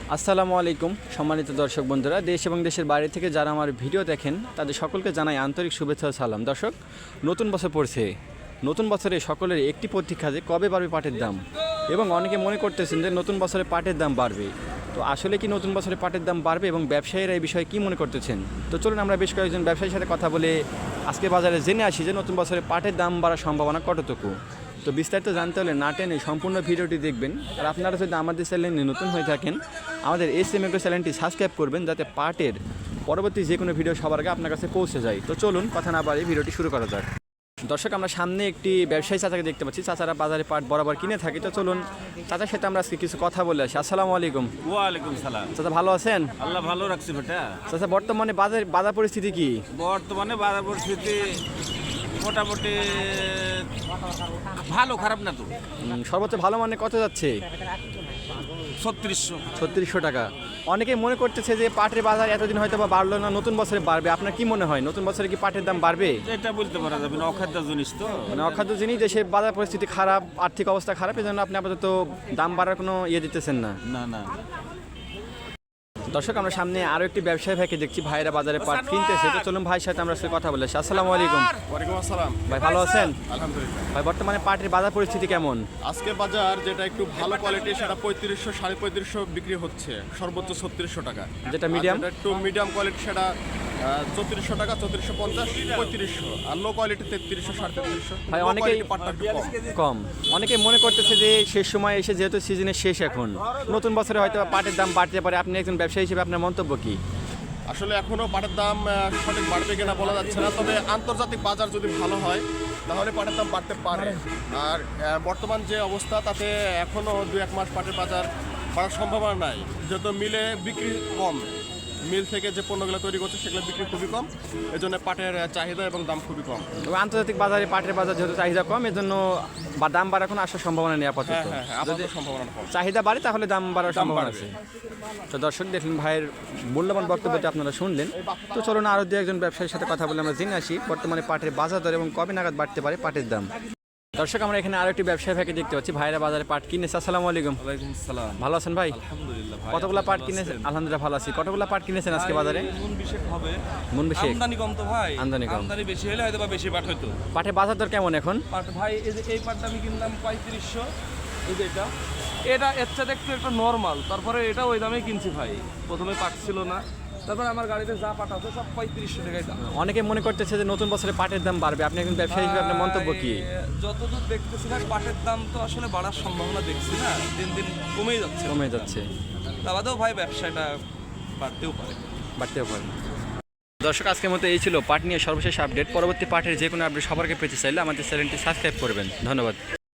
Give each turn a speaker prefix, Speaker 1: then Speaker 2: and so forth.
Speaker 1: আসসালামু আলাইকুম সম্মানিত দর্শক বন্ধুরা, দেশ এবং দেশের বাইরে থেকে যারা আমার ভিডিও দেখেন তাদের সকলকে জানাই আন্তরিক শুভেচ্ছা ও সালাম। দর্শক, নতুন বছর পড়ছে। নতুন বছরে সকলের একটি প্রতীক্ষা যে কবে বাড়বে পাটের দাম, এবং অনেকে মনে করতেছেন যে নতুন বছরে পাটের দাম বাড়বে। তো আসলে কি নতুন বছরে পাটের দাম বাড়বে এবং ব্যবসায়ীরা এই বিষয়ে কী মনে করতেছেন? তো চলুন আমরা বেশ কয়েকজন ব্যবসায়ীর সাথে কথা বলে আজকে বাজারে জেনে আসি যে নতুন বছরে পাটের দাম বাড়ার সম্ভাবনা কতটুকু। তো বিস্তারিত জানতে হলে না টেনে সম্পূর্ণ ভিডিওটি দেখবেন। আর আপনারা যদি আমাদের চ্যানেলে নতুন হয়ে থাকেন, আমাদের এসএম এগ্রো চ্যানেলটি সাবস্ক্রাইব করবেন, যাতে পাটের পরবর্তী যে কোনো ভিডিও সবার আগে আপনার কাছে পৌঁছে যায়। তো চলুন কথা না বাড়িয়ে ভিডিওটি শুরু করা যাক। দর্শক, আমরা সামনে একটি ব্যবসায়ী চাচাকে দেখতে পাচ্ছি। চাচারা বাজারে পাট বরাবর কিনে থাকি। তো চলুন চাচার সাথে আমরা আজকে কিছু কথা বলে আসি। আসসালামু আলাইকুম।
Speaker 2: ওয়ালাইকুম সালাম।
Speaker 1: চাচা ভালো আছেন?
Speaker 2: আল্লাহ ভালো রাখছি বেটা।
Speaker 1: চাচা, বর্তমানে বাজার পরিস্থিতি কি?
Speaker 2: বর্তমানে বাজার পরিস্থিতি মোটামুটি ভালো, খারাপ না তো।
Speaker 1: সর্বোচ্চ ভালো মানে কত যাচ্ছে?
Speaker 2: 3600
Speaker 1: টাকা। অনেকে মনে করতেছে যে পাটের বাজার এতদিন হয়তো বা বাড়লো না, নতুন বছরে বাড়বে। আপনার কি মনে হয়, নতুন বছরে কি পাটের দাম বাড়বে?
Speaker 2: এটা বলতে পারা যাবে না, অখাদ্য জিনিস তো।
Speaker 1: মানে অখাদ্য জিনিস, দেশের বাজার পরিস্থিতি খারাপ, আর্থিক অবস্থা খারাপ, এই জন্য আপনি আপাতত দাম বাড়ার কোনো দিতেছেন না।
Speaker 2: না না।
Speaker 1: দর্শক, আমরা সামনে আরো একটি ব্যবসায়ী ভাইকে দেখছি। ভাইরা বাজারে পাট কিনতেছে। তো চলুন ভাইয়ের সাথে আমরা কথা বলে আসি। আসসালামু আলাইকুম।
Speaker 3: ওয়ালাইকুম আসসালাম।
Speaker 1: ভাই ভালো আছেন?
Speaker 3: আলহামদুলিল্লাহ।
Speaker 1: ভাই, বর্তমানে পাটের বাজার পরিস্থিতি কেমন?
Speaker 3: আজকে বাজার যেটা একটু ভালো কোয়ালিটি সেটা 3500 3550 বিক্রি হচ্ছে, সর্বোচ্চ 3600 টাকা।
Speaker 1: যেটা মিডিয়াম,
Speaker 3: একটু মিডিয়াম কোয়ালিটি সেটা 3400 টাকা, 3450, 3500। আর লো কোয়ালিটি 3300 3350।
Speaker 1: ভাই অনেকেই
Speaker 3: পাটটা একটু
Speaker 1: কম। অনেকে মনে করতেছে যে শেষ সময় এসে, যেহেতু সিজনের শেষ এখন, নতুন বছরে হয়তো পাটের দাম বাড়তে পারে। আপনি একজন ব্যবসায়ী হিসেবে আপনার মন্তব্য কি?
Speaker 3: আসলে এখনো পাটের দাম সঠিক বাড়বে কিনা বলা যাচ্ছে না, তবে আন্তর্জাতিক বাজার যদি ভালো হয় তাহলে পাটের দাম বাড়তে পারে। আর বর্তমান যে অবস্থা তাতে এখনো 2-1 মাস পাটের বাজার বাড়ার সম্ভাবনা নাই, যেহেতু মিলে বিক্রি কম। মিল থেকে যে পণ্যগুলো তৈরি করছে সেগুলো বিক্রি খুবই কম, এজন্য পাটের চাহিদা এবং দাম খুবই কম।
Speaker 1: তবে আন্তর্জাতিক বাজারে পাটের বাজার যেহেতু চাহিদা কম, এজন্য দাম বাড়ার কোনো আসার সম্ভাবনা নেই আপাতত।
Speaker 3: যদি সম্ভাবনা কম,
Speaker 1: চাহিদা বাড়ে তাহলে দাম বাড়ার সম্ভাবনা আছে। তো দর্শক, দেখলেন ভাইয়ের মূল্যবান বক্তব্যটা আপনারা শুনলেন। তো চলুন আরও দু একজন ব্যবসায়ীর সাথে কথা বলে আমরা জেনে আসি বর্তমানে পাটের বাজার দর এবং কবে নাগাদ বাড়তে পারে পাটের দাম। দর্শক, আমরা এখানে আরো একটি ব্যবসায়ী ভাইকে দেখতে পাচ্ছি। ভাইরা বাজারে পাট কিনেছে। আসসালামু আলাইকুম।
Speaker 2: ওয়ালাইকুম আসসালাম।
Speaker 1: ভালো আছেন ভাই?
Speaker 2: আলহামদুলিল্লাহ ভাই।
Speaker 1: কতগুলা পাট কিনেছেন? আলহামদুলিল্লাহ ভালো আছি। কতগুলা পাট কিনেছেন আজকে বাজারে?
Speaker 4: মন বিশেষ হবে।
Speaker 1: মন বিশেষ।
Speaker 4: আমদানি কম তো ভাই।
Speaker 1: আমদানি কম।
Speaker 4: আমদানি বেশি হলে হয়তো বা বেশি পাট হইতো।
Speaker 1: পাটের বাজার দর কেমন এখন?
Speaker 4: পাট ভাই এই পাটটা আমি কিনলাম 3500। এই যে এটা এর সাথে একটু নরমাল। তারপরে এটা ওই দামে কিনছি ভাই। প্রথমে পাট ছিল না, তারপর আমার গাড়িতে যা পাট আছে সব 3500 টাকায় দাম।
Speaker 1: অনেকে মনে করতেছে যে নতুন বছরে পাটের দাম বাড়বে। আপনি একজন ব্যবসায়ী হিসেবে আপনার মন্তব্য কি?
Speaker 4: যতদূর দেখতেছি ভাই পাটের দাম তো আসলে বাড়ার সম্ভাবনা দেখছি না, দিন দিন কমেই যাচ্ছে।
Speaker 1: কমে যাচ্ছে।
Speaker 4: তা বাদেও ভাই ব্যবসাটা বাড়তেও পারে।
Speaker 1: দর্শক, আজকের মতো এই ছিল পাট নিয়ে সর্বশেষ আপডেট। পরবর্তী পাটের যে কোনো আপডেট সবার আগে পেতে চাইলে আমাদের চ্যানেলটি সাবস্ক্রাইব করবেন। ধন্যবাদ।